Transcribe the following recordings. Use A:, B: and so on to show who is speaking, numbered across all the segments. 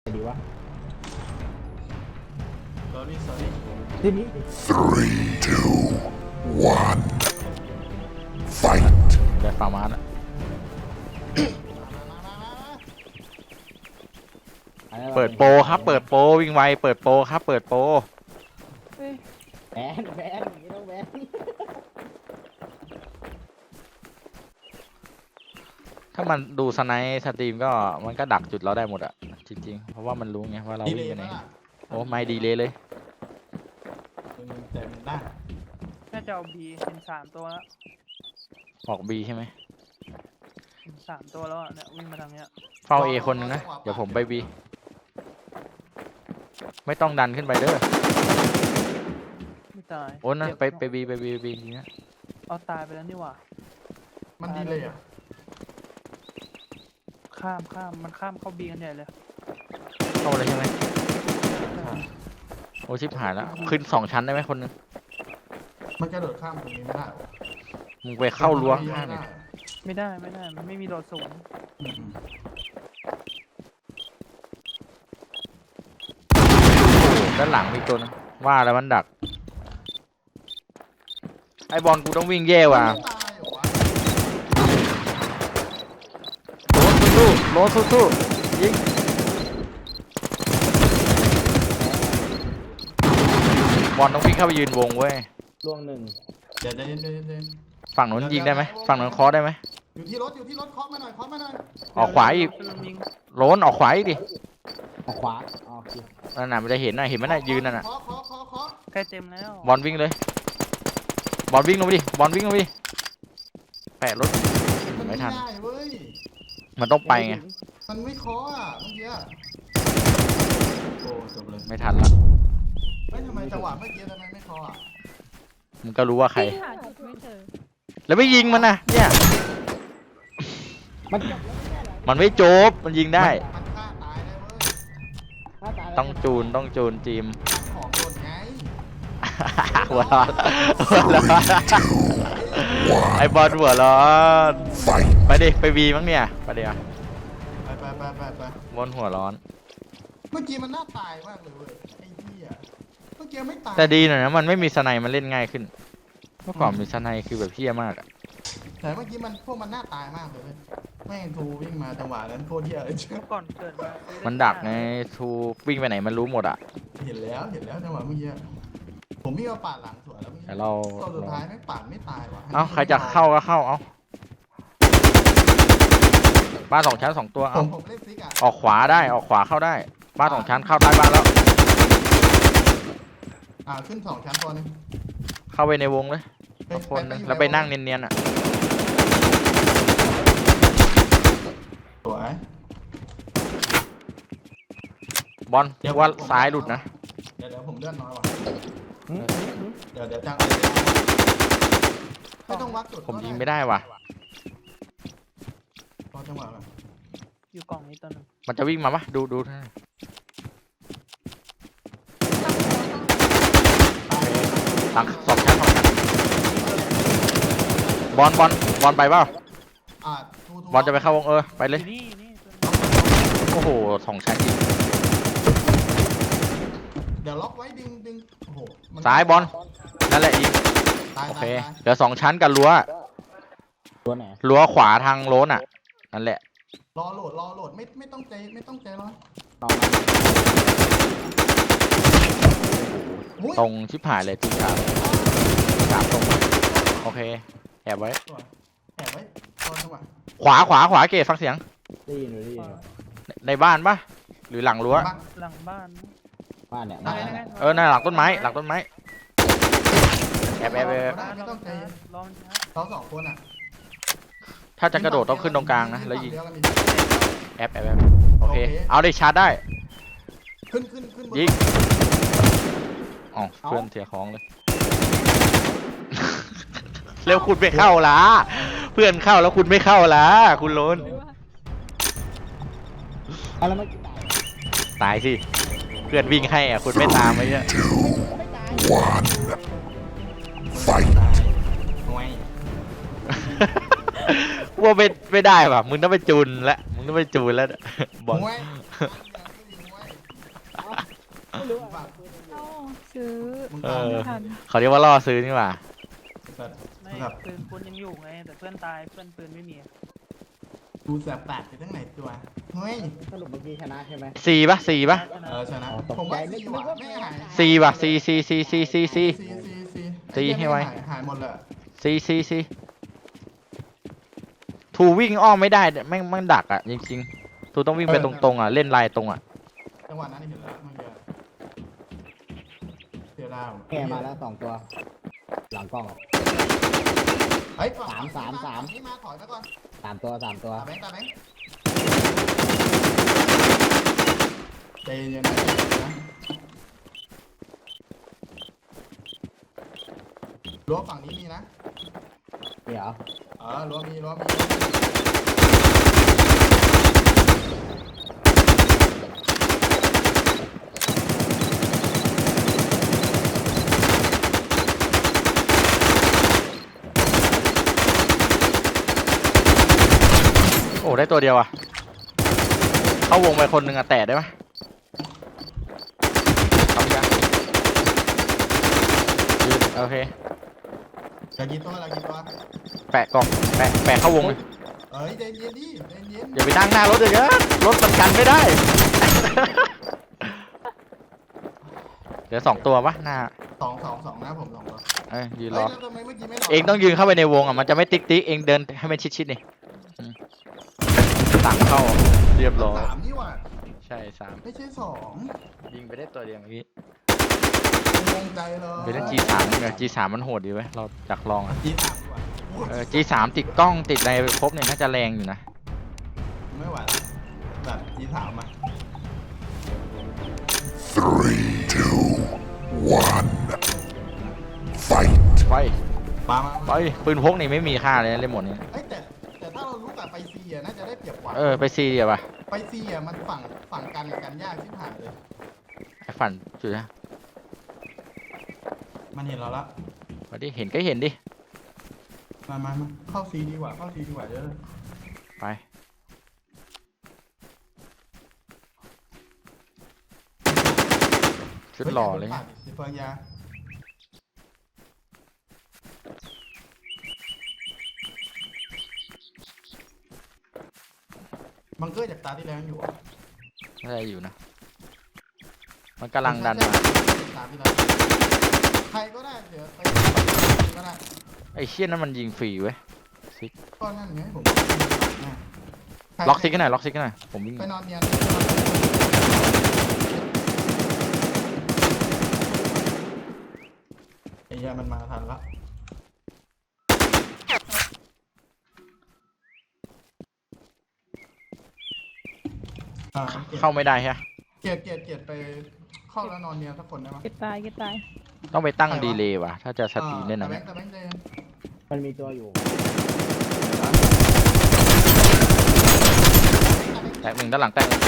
A: ดีวะ
B: sorry
A: ทีนี้
C: 3, 2, 1, fight.
D: ได้ฟาร์มาสอะเปิดโปรครับเปิดโปรวิ่งไวเปิดโปรครับเปิดโปร
A: แบนอย่างนี้ต้องแบน
D: ถ้ามันดูสไนป์สตรีมก็มันก็ดักจุดเราได้หมดอะจริงๆเพราะว่ามันรู้ไงว่าเรา
B: ดี
D: วิ่ง
B: เลย
D: ไปไหน
B: นะ
D: โอ้ไม่ดีเลย
B: เต็มหน้า
E: น่าจะเอาบีเห็น3 ตัวแล้ว
D: ออกบีใช่ไหม
E: เห็น3 ตัวแล้วอะเนี่ยวิ่งมาทางเนี้ย
D: เฝ้าเอคนนึงนะเดี๋ยวผมไปบีไม่ต้องดันขึ้นไปเด้อ
E: ไม่ตาย
D: โอ้นะ
E: เจ็บ
D: ไปบีอย่างเงี้ย
E: เอาตายไปแล้วนี่หว่า
B: มันดีเลยอ่ะ
E: ข้ามมันข้ามเข้าบีกันใหญ่เลย
D: เข้ามาเลยใช่ไหมโอ้ชิบหายแล้วขึ้น2 ชั้นได้ไหมคนนึง
B: มันกระโดดข้ามตรงนี้ไม่ได้
D: มึงไปเข้ารั้วข้างๆเลย
E: ไม่ได้มันไม่มีโดดสูง
D: ด้านหลังมีตัวนึงว่าแล้วมันดักไอบอลกูต้องวิ่งแย่ว่ะ
B: ตายเหรอวะ
D: โรสสู้ยิงบอลต้องวิ่งเข้าไปยืนวงเว้ย
A: ล่วงหนึ่ง
B: เดี๋ยว
D: ฝั่งนู้นยิงได้ไหมฝั่งนู้นเคอได้ไหม
B: อยู่ที่รถเคาะมาหน่อย
D: ออกขวาอีก
E: เดี๋ยวยิง
D: โรนออกขวาอีกดิ
A: ออกขวาโอเค
D: นั่นน่ะมันจะเห็นน่ะเห็นไหมน่ะยืนนั่นน่ะ
B: เคาะ
E: ใกล้เต็มแล้ว
D: บอลวิ่งเลยบอลวิ่งลงไปดิบอลวิ่งลงไปดิแปะรถ
B: มัน
D: ไม่
B: ไม่
D: ทัน
B: ได้เว้ย
D: มันต้องไปไง
B: มันไม่เคาะอ่ะเมื่อกี้โอ้จบเลย
D: ไม่ทันละ
B: ไม่ทำไมจังหวะเมื่อกี้ทำไมไม่เคาะอ่ะ
D: มึงก็รู้ว่าใคร
F: หาจุดไม่เจอ
D: แล้วไม่ยิงมันนะเนี่ย
A: มัน
D: มันไม่จบมันยิงได้
B: มันฆ่าตายได้เว้ย
A: ถ้าตายแล้ว
D: ต้องจูนจีม
B: ของโดนไง
D: หัวร้อนไอบอลหัวร้อน
C: Fight.
D: ไปดิไปบีมั้งเนี่ยไปดิอ่ะ
B: ไป
D: บอลหัวร้อน
B: เมื่อกี้มันน่าตายมากเลยเว้ยไอ้เหี้ยเมื่อกี้ไม่ตาย
D: แต่ดีหน่อยนะมันไม่มีสไนมันเล่นง่ายขึ้นเมื่อก่อนมีสไนคือแบบเพี้ยมากอะ
B: แต่เมื่อกี้มันพวกมันน่าตายมากเลยเว้ยแม่งทูวิ่งมาจังหวะนั้นโคตรเหี้ยเลยเชื่อ
E: ก่อนเกิดมา
D: มันดักไงทูวิ่งไปไหนมันรู้หมดอะ
B: เห็นแล้วจังหวะเมื่อกี้ผมวิ่งมาปาดหลังสวนแล้วเมื่อกี้
D: แต่เรา
B: ตอนสุดท้ายไม่งปาดไม่ตายว่ะ
D: เอ้าใครจะเข้าก็เข้าเอ้าบ้าน2 ชั้น 2 ตัว
B: ผ
D: เอ้าม
B: เล่นฟิกอ่ะ
D: ออกขวาได้ออกขวาเข้าได้บ้าน2 ชั้นเข้าใต้บ้านแล้ว
B: ขึ้น2 ชั้นตัวนึง
D: เข้าไปในวงเลยเอาคนหนึงแล้วไปนั่งเนียนๆอะ
B: สวย
D: บอลว่าซ้ายหลุดนะ
B: เดี๋ยวผมเลื่อนน้อยว่ะ
A: หืม
B: เดี๋ยวจังไม่ต้องวัดจุด
D: ผมยิงไม่ได้ว่ะ
B: รอจังหวะแบบ
E: อยู่กล่องนี้ตัวหนึง
D: มันจะวิ่งมาปะดูหลัง2 ชั้น 2 ชั้นบอลไปเปล่า บอลจะไปเข้าวงไปเลย
E: อยู่นี่ตัวหนึง
D: โอ้โห2 ชั้นยิง
B: เดี๋ยวล็อกไว้ดึงโอ้โหมัน
D: ซ้ายบอลนั่นแหละยิง
B: ตาย
D: โอเค
B: ตาย
D: เหลือ2 ชั้นกับรั้ว
A: ตัวไหน
D: รั้วขวาทางโล้นอ่ะนั่นแหละ
B: รอโหลดไม่ต้องใจร้อน
A: ต่อมา
B: อุ้ย
D: ตรงชิบหายเลยทุกทางตรงโอเคแอบไว้
B: แอบไว้รอจังหวะ
D: ขวาเกตฟังเสียง
A: ได้ยินหรือได้ยิน
D: ในบ้านปะหรือหลังรั้ว
B: บ้าน
E: หลังบ้าน
A: บ้านเนี่ย
E: นั่นไง
D: น่าหลังต้นไม้แอบ
B: ไม่
E: ร
B: ต้องใจ
E: รอมันช้า
B: เรา2 คนอ่ะ
D: ถ้าจะกระโดดต้องขึ้นตรงกลางนะแล้วยิง
B: เดียกันดิ
D: แอบโอเคเอาได้ชาร์จได้
B: ขึ้นบน
D: ยิงอ๋อเพื่อนเสียของเลย เร็วคุณไม่เข้าละเพื่อนเข้าแล้วคุณไม่เข้าละคุณโลน
A: เอาแล้วเมื่อกี้ตาย
D: ตายสิเพื่อนวิ่งให้อ่ะคุณไม่ตามไปเนี่ย
C: 1, fight.
B: ห่วย
D: ว่าไม่ได้ป่ะมึงต้องไปจูนแล้วบอล
B: ห่วย
A: ไม่รู้
B: ฝา
A: อ่ะ
B: ก
F: เอ้าซื้อ
B: มึง
D: เอ
B: ตาม
D: อ
F: ไม่ทัน
D: เขาเรียกว่าล่อซื้อนี่หว่า
B: สัตว์
E: ไม่
B: แบบ
E: ปืนคุณยังอยู่ไง แต่เพื่อนตายเพื่อนปืนไม่มี
B: ดูแสบแปดไปทั้งไหนตัวเฮ้ย
A: สรุปเมื่อกี้ชนะใช่ไหม
D: ซีปะซีปะ
B: ชนะ
A: อ๋อตกใจ
B: ผมว่า
A: นึ
B: ซี
A: ก
B: ว่ะ
A: ว่า
B: ไม่หาย
D: ซีปะซีซีซีซีซีซี ตีให้ไว
B: หายหมดเลย
D: ซีซีซีทูวิ่งอ้อมไม่ได้แม่งดักอ่ะจริงๆทูต้องวิ่งไปตรงๆอ่ะเล่นลายตรงอ่ะ
B: จังหวะนั้นเห็นแล้วเมื่อกี้เสียดาย
A: แกมาแล้ว2 ตัว หลังกล้อง
B: เฮ้ยฝั่ง
A: สาม
B: ฝั่งนี่มาถอยไปก่อน
A: 3 ตัว 3 ตัว
B: ตาแบงค์ใจเย็นๆนะรั้วฝั่งนี้มีนะ
A: เดี๋ยว
B: รั้วมี
D: โอ้ได้ตัวเดียวอ่ะเข้าวงไปคนหนึ่งอ่ะแตะได้ไหมทำยังยืนโอเค
B: อย่ากินตัวอย่ากินตัว
D: แปะกล่องแปะเข้าวงเลย
B: เอ้ยใจเย็นดิใจเย็น
D: อย่าไปนั่งหน้ารถเลยนะรถมันกันไม่ได้ เหลือ2 ตัวปะหน้า
B: สองนะผม2ตัว
D: ยืนร
B: เฮ้ย
D: อ
B: แล้วทำไมเมื่อกี้ไม่รอ
D: เองต้องยืนเข้าไปในวงอ่ะมันจะไม่ติ๊กเองเดินให้มันชิดนี่ต่างเข้าเรียบร้อย
B: 3นี่หว่า
D: ใช่3
B: ไม่ใช่2
D: ยิงไปได้ตัวเดียวเมื่อกี้
B: งงใจเลย
D: ไปเล่น G3 เนี่ย G3 มันโหดดีเว้ยเราอยากลองอ่ะ
B: G3 ดีกว่าโอ้ย
D: G3 ติดกล้องติดอะไรครบเนี่ยน่าจะแรงอยู่นะ
B: ไม่ไหวละแบบ G3 อ่ะ
C: 3, 2, 1. Fight.
D: ไป
B: มา
D: ไปปืนพกนี่ไม่มีค่าเลยนะเล่นหมดนี้
B: เอ้ยแต่ถ้าเรารู้กับไปซีอ่ะน่าจะได้เปรียบกว่า
D: ไปซีเดียวป่ะ
B: ไปซีอ่ะมันฝั่งกันยากที่ผ่านเลย
D: ไอ้ฝันจุดนะ
B: มันเห็นเราละ
D: มาดิเห็นก็เห็นดิ
B: มาเข้าซีดีกว่าเยอะ
D: ไปชุดหล่อเลย
B: สิเฟิร์นยาบังเกอร์จากตาที่แล้วอยู่
D: น่าจะอยู่นะ มันกำลังดันมา
B: ตาที่แล้วใครก็ได้เดี๋ยวไปก็ได้
D: ไอ้เชี่ยนั่นมันยิงฟรีเว้ย
B: ก็นั่นไงผม
D: ล็อกซิกกันหน่อยล็อกซิกกันหน่อยผมวิ่ง
B: ไปนอนเนียนไอ้เหี้ยมันมาทันละ
D: เข้าไม่ได้ใช่ไหม
B: เกียรติไปเข้าแล้วนอนเนียนสักคนได้ไหม
F: เก็ตตาย
D: ต้องไปตั้งดีเลย์ว่ะถ้าจะสตรีมเล่นนะ
B: แต่
D: เนี่ย
B: แบงค์เลย
A: มันมีตัวอยู่
D: แตกหนึ่งด้านหลังแตกหนึ่ง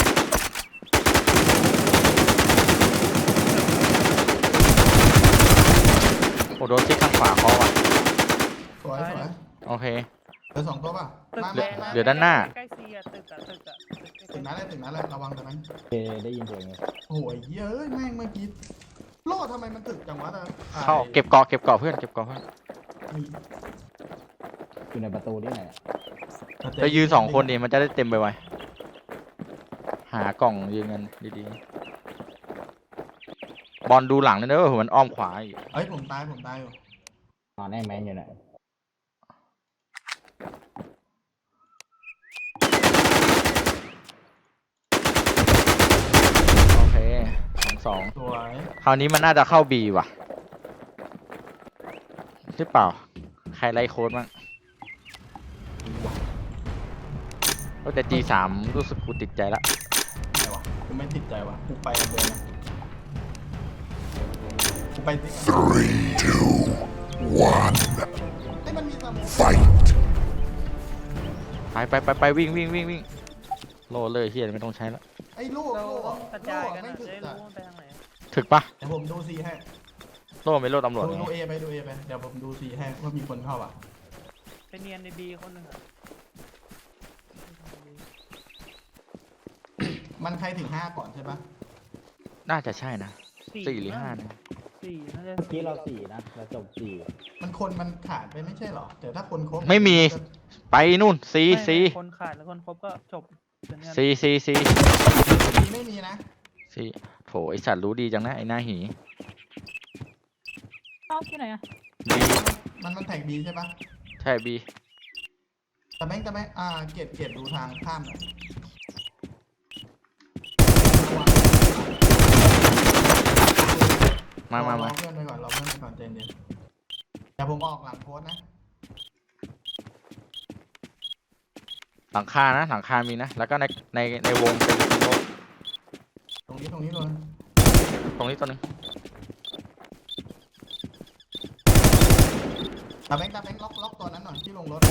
D: โอ้โดนซิกข้างขวาเขาว่ะ
B: สวย
D: โอเค
B: เหลือ2ตัวป่ะ
E: ตึก
B: มา
E: แดง
D: เหลือด้านหน้า
E: ใกล้ซีอะตึกอะ
B: ถึงนั้นเลยระวังตรงนั้น
A: ได้ยินเสียงไง
B: โอ้ยเย้ยแม่งเมื่อกี้โล่ทำไมมันถึกจังวะแต่
D: เข้าเก็บเกาะเพื่อนเก็บเกาะเพื่อน
A: อยู่ในประตูนี่ไหนอะ
D: ไปยืน2 คนดิมันจะได้เต็มไปไวหากล่องยืนกันดีๆบอลดูหลังเลยนะว่ามันอ้อมขวาอีก
B: เอ้ยผมตายอยู่
A: นอนแน่แมนอยู่ไหน
D: โอเค2-2
B: สวย
D: คราวนี้มันน่าจะเข้า B ว่ะหรือเปล่า ใครไล่โค้ดบ้างแต่ G3 รู้สึกกูติดใจละ
B: ไหนวะกูไม่ติดใจวะกูไปกันเดินนะกูไปสิ
C: 3, 2, 1.
B: ไอ้ยมันมีสมุน
C: Fight.
D: ไปวิ่งโลเลยเฮียไม่ต้องใช้แล้ว
B: ไอ้ลูก
E: เรา
B: ลูก
E: ต้องกระจายกัน
B: ไม่
E: อะ
B: ถึก
E: จะได้
B: อะ
E: รู้ว่าไปทางไหน
D: ถึกปะ
B: เดี๋ยวผมดูซีให้
D: โลไม่โลตำรวจ
B: ดู
D: ไง
B: เอไปเดี๋ยวผมดูซีให้ว่ามีคนเข้าอ่ะ
E: ไปเนียนในบีคนหนึ่งอะ
B: มันใครถึง5ก่อนใช่ปะ
D: น่าจะใช่นะ 4 หรือ
E: มั้ง
D: 5นะ
E: สี่น่าจะ
A: เมื่อกี้เราสี่นะเราจบสี่
B: มันขาดไปไม่ใช่หรอแต่ถ้าคนครบ
D: ไม่มี ไปนู่น C
E: ไม่
D: C
E: คนขาดแล้วคนครบก็จบเป็นงาน
D: C C C
B: ไม่มีนะ
D: C โถไอสัตว์รู้ดีจังนะไอหน้าหี
F: เอ้าที่ไหนอะ
D: B
B: มันแท็กบีใช่ปะ
D: ใช่ B
B: แต่แม่งเกตดูทางข้ามหน่อย
D: มา
B: รอเพื่อนไปก่อนใจเย็นเดี๋ยวผมออกหลังโพสต์นะ
D: หลังคานะหลังคามีนะ แล้วก็ในวงเป็นรถ
B: ตรงนี้เลย
D: ตรงนี้ตัวหนึง
B: ตาแบงค์ล็อกตัวนั้นหน่อยที่ลงรถ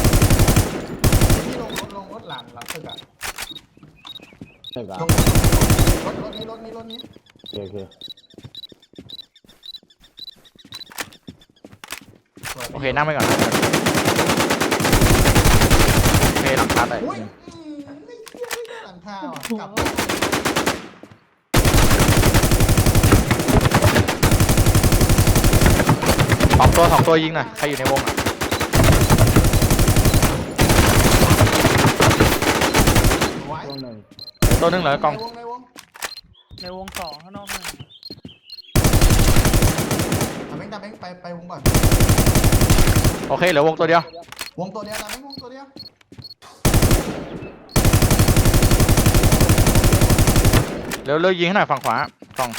B: หลังตึกอะ
A: ตึกอ่ะ
B: ลงรถนี้
A: โอเค
D: โอเคนั่งไปก่อนโอเคหลังคาแต่
B: อุ้ยไม่เชื่อไม่ได้หลังคาอ่ะกลับ
D: สองตัวยิงหน่อยใครอยู่ในวงอ่ะ
B: ไว้
A: ช่วงหนึ่ง
D: ตัวหนึงเหรอกล่อง
B: ในวง
E: ในวงสองข้างนอกนึง
B: ตาแบงค์ไปวงก่อน
D: โอเคเหลือวงตัวเดียว
B: วงตัวเดียวตาแบงค์วงตัวเดียว
D: เร็วยิงให้หน่อยฝั่งขวากล่อง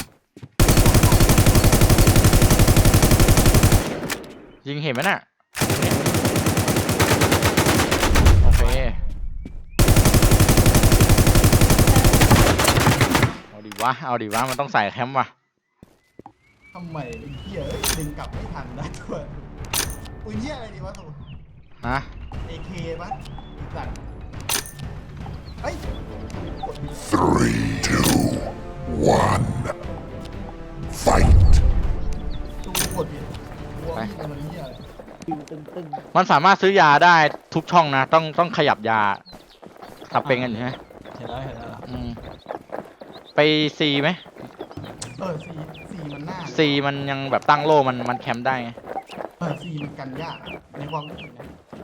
D: ยิงเห็นไหมน่ะโอเคเอาดิวะมันต้องใส่แคมป์ว่ะ
B: ทำไมไอ้เหี้ยดึงกลับไม่ทันนะตัวปืนเหี้ยอะไรดีวะตัว
D: ฮะ
B: AK ปะสัตว์เฮ้ย
C: 3, 2, 1. Fight.
B: ดูกดผิดวัวพี่เป็นเหี้ยอะไร
A: คิวตึง
D: มันสามารถซื้อยาได้ทุกช่องนะต้องขยับยาสับเป็นกันอยู่ใช่ไหม
B: เห็นแล้ว
D: อืมไป C ไหม
B: สี่มันหน้า
D: C มันยังแบบตั้งโล่มันแคมป์ได้ไง
B: สี่มันกันยากอะในความรู้สึกนะ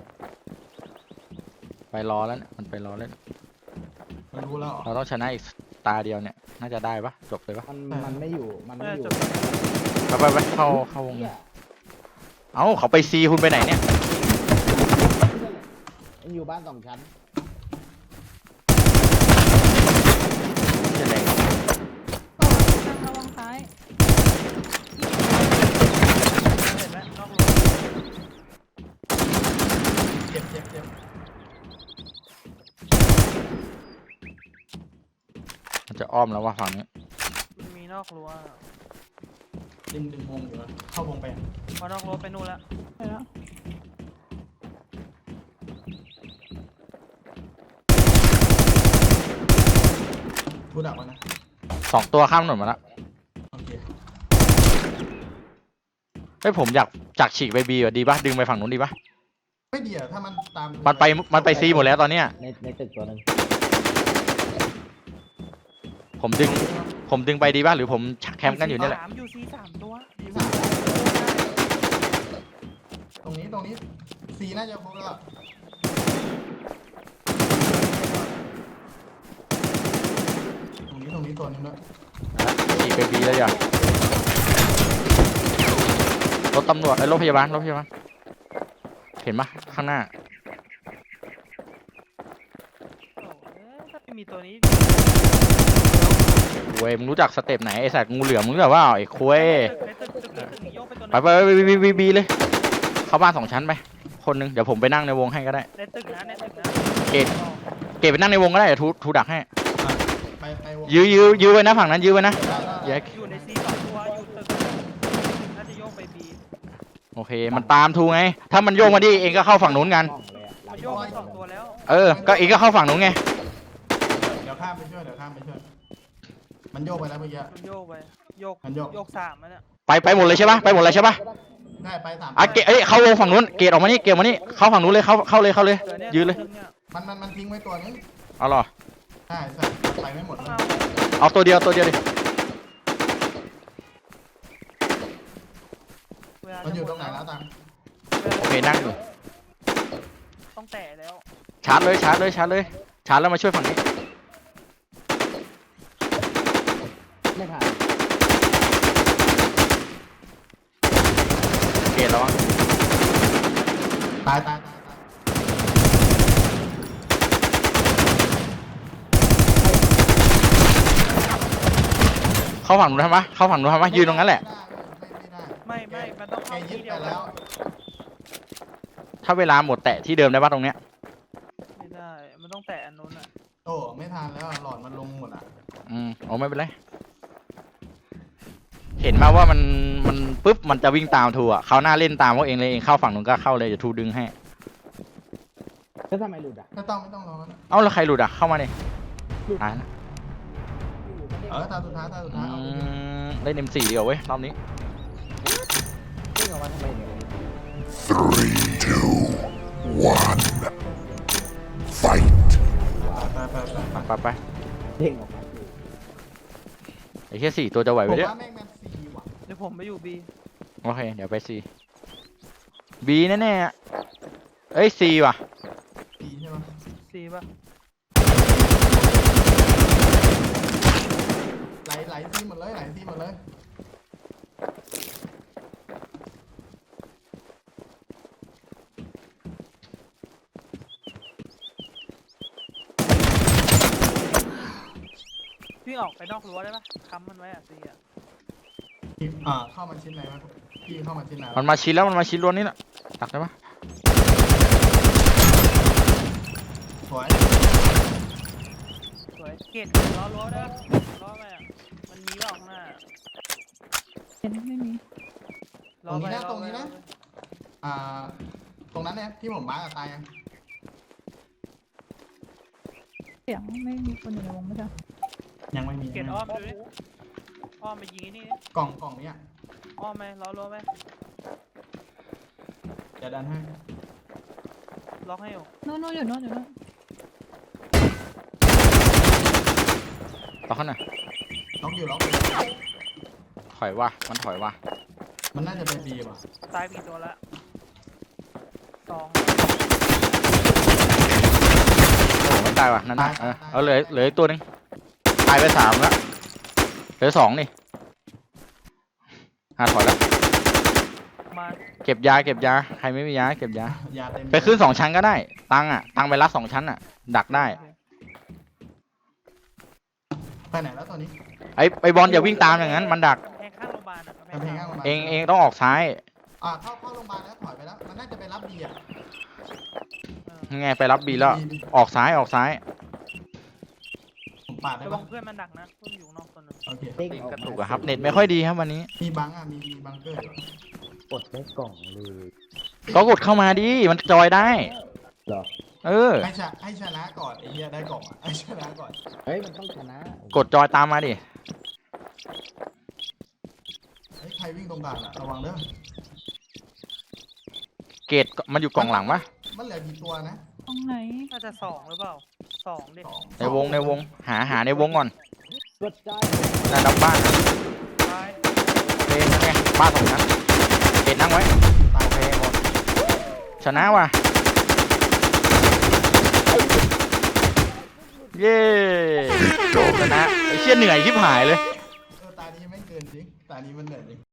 D: ไปรอแล้วเนี่ยมันไปรอแล้ว
B: มันรู้แล้วเหรอ
D: เราต้องชนะอีกตาเดียวเนี่ยน่าจะได้ปะจบเลยปะ
A: มันไม่อยู่มันไม่
E: น่า
A: อยู่
E: จะจบ
D: ไปเข้าวง
A: เหี้ย
D: เอ้าเขาไป C คุณไปไหนเนี่ย
A: มันอยู่บ้านสองชั้น
D: จะแรง
F: ระวังซ้าย
E: เห็นไหมนอกรถ
B: เจ็บ
D: มันจะอ้อมแล้วว่ะฝั่งนี้
E: มันมีนอกรั้ว
B: ดึงวงอยู่นะเข้าวงไป
E: พอนอกรั้วไปนู่นแล้ว
F: ไปแล้ว
B: พูดดักมานะ
D: 2 ตัวข้ามถนนมาแล้ว
B: โอเค
D: เฮ้ยผมอยากฉีกไป B อ่ะดีปะดึงไปฝั่งนู้นดีปะ
B: ไม่ดีอะถ้ามันตาม
D: มันไป C หมดแล้วตอนเนี้ย
A: ในตึกตัวหนึ่ง
D: ผมดึงไปดีปะหรือผมแคมป์กันอยู่เนี่ยแหละ
E: อยู่ C สามตัว
B: ตรงนี้สีน่าจะครบแล้วอะตรงนี้ตัวนึงด้วย
D: ฉีกไป B เลยอ่ะรถตำรวจไอ้รถพยาบาลเห็นปะข้างหน้า
E: โอ้ยถ้าไม่มีตัวนี้
D: เว้ยมึงรู้จักสเต็ปไหนไอ้สัตว์งูเหลือมมึงรู้จักว่าไอ้คุย
E: ในตึกโยกไปตัว
D: ไปบีเลย เข้าบ้าน2 ชั้นไปคนหนึงเดี๋ยวผมไปนั่งในวงให้ก็ได้
E: ในตึกนะ
D: เกตไปนั่งในวงก็ได้เดี๋ยวทูดักให้
B: ไปวง
D: ยื้อไว้นะฝั่งนั้นยื้อไว้นะ
B: ได้
E: อยู่ใน C สองตัวอยู่ตึกน่าจะโยกไป B
D: โอเคมันตามทูไงถ้ามันโยกมาดิเองก็เข้าฝั่งนู้นกัน
A: กล้องเลยอะหลั
E: มัน
A: ง
E: โยกไปสองตัวแล้ว
D: ก็เองก็เข้าฝั่งนู้นไง
B: เดี๋ยวข้ามไปช่วยมันโยกไปแล้วเมื่อกี้
E: มันโยกไปโยก
B: มันโยก
E: โยกสามแล้วเนี่ย
D: ไปหมดเลยใช่ปะไปหมดเลยใช่ปะ
B: ได้ไปสาม
D: เกตเข้าวงฝั่งนู้นเกตออกมานี่เกตมานี่เข้าฝั่งนู้นเลยเข้าเลย
E: เดี๋วนี่
D: ยืนเลย
E: ตัวนึงนี่
B: มันทิ้งไว้ตัวนึง
D: เอาหรอ
B: ใช่ไปไม่หมดเลย
E: เอา
D: เอาตัวเดียวดิ
B: มันอยู่ตรงไหนแล้วตัง
D: โอเคนั่งอยู่
E: ต้องแตะแล้ว
D: ชาร์จเลยชาร์จเลยชาร์จเลยชาร์จแล้วมาช่วยฝั่งนี้
A: ไม่ผ่าน
D: เกตแล้ววะ
B: ตาย
D: เข้าฝั่งนู้นทำไมเข้าฝั่งนู้นทำไมยืนตรงนั้นแหละ
B: ไม่ได้
E: ไม่มันต้อง
B: แก
E: เข้า
B: ยึ
E: ที่
B: ด
E: เดี
B: ไป
E: ยว
B: แล้ว
D: ถ้าเวลาหมดแตะที่เดิมได้ปะตรงเนี้ย
E: ไม่ได้มันต้องแตะอันนู้นอ่ะ
B: โอ้ไม่ทันแล้วหลอดมันลงหมดอ่ะ
D: โอ้ไม่เป็นไรเห็นมาว่ามันปุ๊บมันจะวิ่งตามทูอ่ะเขาหน้าเล่นตามเขาเองเลยเองเข้าฝั่งนู้นก็เข้าเลยเดี๋ยวทูดึงให้
A: แล้วทำไมหลุดอ่ะ
B: ไม่ต้องรอแล้ว
D: เอ้าแล้วใครหลุดอ่ะเข้ามาดิตายแล้ว
A: อยู่ๆก็เด้ง
B: ตาสุดท้ายเอาไปดิ
D: เล่น M4 เดียวเว้ยรอบนี้
A: เด้งออกมาทำไมเนี่ย
C: 3, 2, 1. Fight.
B: ไป
D: ไป
A: เด้งออกมาอยู่
D: ไอ้แค่4ตัวจะไหว
B: ผ
D: ไป
B: ม
D: เนี่ย
B: ว่าแม่งแมนซีว่ะ
E: เดี๋ยวผมไปอยู่บี
D: โอเคเดี๋ยวไป C B แน่ๆอะเอ้ย C ว่ะ
B: ปีใช่ไหม
E: ซีป่ะ
B: ไหลซีหมดเลยไหลซีหมดเลย
E: พี่ออกไปนอกรั้วได้ปะค้ำมันไว้อ่ะซีอ่ะ
B: เข้ามาชิ้นไหนวะพี่เข้ามาชิ้นไหน
D: มันมาชิดแล้วมันมาชิดล้วนนี่แหละตักได้ปะ
B: สวย
E: สวยเกตล้อรั้วได้ปะล้อไปอ่ะมันมีว่าออกข้างหน้า
F: เห็นไม่มี
E: ล้อไปล้อไปล้อไป
B: ตรงนั้นเนี่ยที่ผมบ้ากับตายยัง
F: เสียงไม่มีคนอยู่ในวงไม่ใช่
B: ยังไม่มี
E: เกตอ้อมดูดิอ้อมไปยิงไอ้นี่ดิ
B: กล่องเนี้ย
E: อ้อมไหมล้อรั้วไหม
B: จะดันให้
E: ล็อกให้อยู่
F: โน่นอยู่โน่นอยู่โน่น
D: ต่อข้างหน่อย
B: ล็อกอยู่
D: ถอยว่ะมันถอยว่ะ
B: มันน่าจะเป็นบีว่ะ
E: ตายไปกี่ตัวละ2
D: โอ้ไม่ตายว่ะนั่นน่ะเอาเหลืออีกตัวหนึงตายไป3แล้วเหลือ2นี่ถอยแล้ว
E: มา
D: เก็บยาใครไม่มียาเก็บยาย
B: าเต็ม
D: ไปขึ้น2ชั้นก็ได้ตังไปรัด2ชั้นอ่ะดักได้
B: ไปไหนแล้วตอนนี้
D: ไอ้บอลอย่าวิ่งตามอย่างนั้นมันดัก
E: กำแพงข้างโรงพยาบาลอ่ะ
B: กำแพงข้างโรงพยาบาล
D: เองต้องออกซ้าย
B: เข้าโรงพยาบาลแล้วถอยไปแล้วมันน่าจะไปรับบีอ่ะ
D: ยังไงไปรับบีแล้วออกซ้าย
B: ผมปาดได้
E: ระวั
B: ปะ
E: งเพื่อนมันดักนะเพื่อนอยู่นอกตัวนึง
B: โอเค
A: เด้ง
D: ตีน
A: ออก
D: กระ
A: มา
D: ตุกอะครับเน็ตไม่ค่อยดีครับวันนี้
B: มีบังมีบังเกอร์
A: กดได้กล่องเลย
D: ก็กดเข้ามาดิมันจอยได้
A: เหรอ
D: เออ
B: ให้ชนะก่อนไอ้เหี้ยได้กล่องให้ชนะก่อน
A: เฮ้ยมันต้องชนะ
D: กดจอยตามมาดิ
B: ใครวิ่งตรงกลางอ่ะระวังเด้อ
D: เกตมันอยู่กล่องหลังปะ
B: มันเหลือกี่ตัวนะ
F: ตรงไหน
E: น่าจะ2หรือเปล่า2ดิ
D: ในวงหาในวงก่อน
A: กดใจ
D: นั่นดับบ้านนะ
E: ตาย
D: โอเคนั่นไงบ้านตรงนั้นเกตนั่งไว้
B: ตาย
D: โอเคหมดชนะว่ะเย้ชนะไอ้เชี่ยเหนื่อยชิบหายเลย
B: ตานี้ไม่เกินจริงตานี้มันเหนื่อยจริง